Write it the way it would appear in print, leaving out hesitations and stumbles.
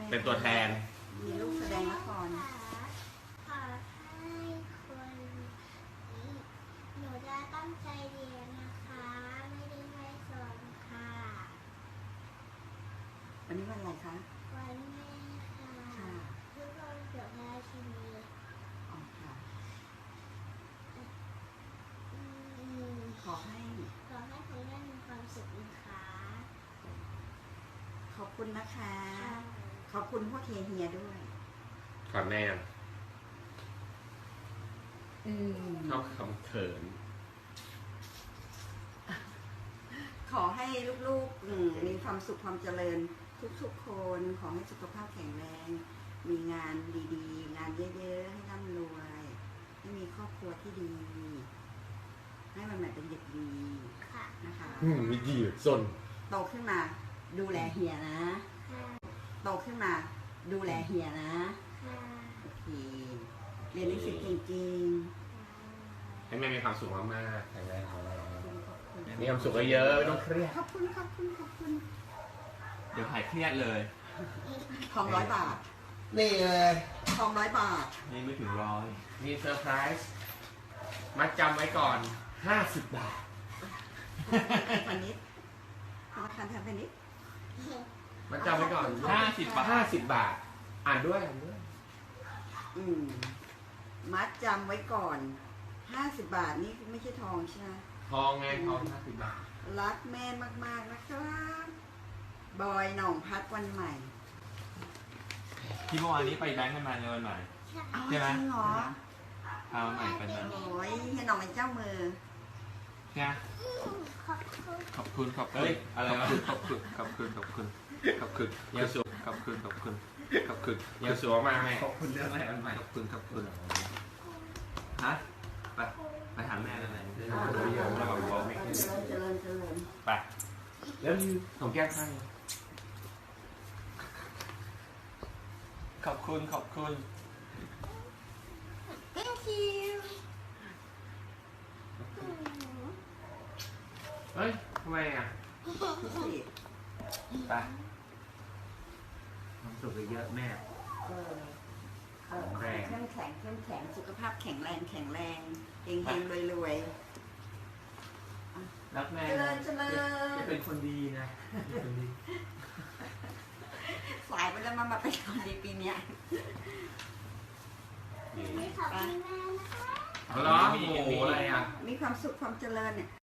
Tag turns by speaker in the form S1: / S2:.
S1: เป็นตัวแทน
S2: มีลูกแสดงละคร
S3: ขอให้คนหนูจะตั้งใจเรียนนะคะไม่ได้ไม่สอนค่ะ
S2: วันนี้วันอะไรคะ
S3: วันแม่ค่ะทุกคนเกิดพระราชินี
S2: อ๋อค่ะขอให้
S3: คุณแม่มีความสุขนะคะ
S2: ขอบคุณนะคะ ขอบคุณพวกเฮียด้วย
S1: ก่อนแม่ชอบคำเขิน
S2: ขอให้ลูกๆมีความสุขความเจริญทุกๆคนขอให้สุขภาพแข็งแรงมีงานดีๆงานเยอะๆให้ร่ำรวยให้มีครอบครัวที่ดีให้มันใหม่เป็นเด็กดีนะคะ
S1: มีดีสน
S2: โตขึ้นมาดูแลเฮียนะโตขึ้นมาดูแลเฮียนะโอเคเรียนหนังสือจริง
S1: ๆให้แม่มีความสุขมากๆแข็งแรงมีความสุขเยอะไม่ต้องเครียด
S2: ขอบคุณ
S1: เดี๋ยวหายเครียดเลย
S2: ทอง100 บาท
S1: นี่เลย
S2: ทอง100 บาท
S1: นี่ไม่ถึง100มีเซอร์ไพรส์มัดจำไว้ก่อน50 บาท
S2: พาณิชย์ธนาคารไทยพาณิชย์
S1: มัดจำไว้ก่อน50 บาทอ่านด้วย
S2: มัดจำไว้ก่อน50 บาทนี่ไม่ใช่ทองใช่ไหม
S1: ทองไงทอง50 บาท
S2: รักแม่มากๆนะครับบอยหน่องพัดวันใหม่
S4: ที่เมื่อวานนี้ไปแบงค์กันมาในวันใหม่ใช่ไหม
S2: จริงเหรอ
S4: เอาใหม่เป็นวัน
S2: โอ้ยเฮียหน่องเป็นเจ้ามือ
S4: ใช่ขอบคุณอะไรวะขอบคุณ
S1: เยสุ
S4: ขอบคุณ
S1: เยสุมาไหม
S4: ขอบคุณเรื่องอะไรใหม่ขอบคุณฮะไปหาแม่แล้วไหนเราบอกว่าไม่ขึ้น
S2: เจริญ
S1: ไปแล้วของแก้มให้
S4: ขอบคุณ
S2: thank you
S1: เฮ้ยทำไมอ่ะ
S4: ไปความสุขเยอะแม่
S2: เข้มแข็งสุขภาพแข็งแรงเฮงรวย
S4: รักแม่
S2: จะ
S4: เป็นคนดีนะ
S2: สายไปแล้วมาเป็นคนดีปีนี้
S3: ขอบคุณแม่นะคะ
S1: เหรอโอ้โหอะไรอ่ะ
S2: มีความสุขความเจริญเนี่ย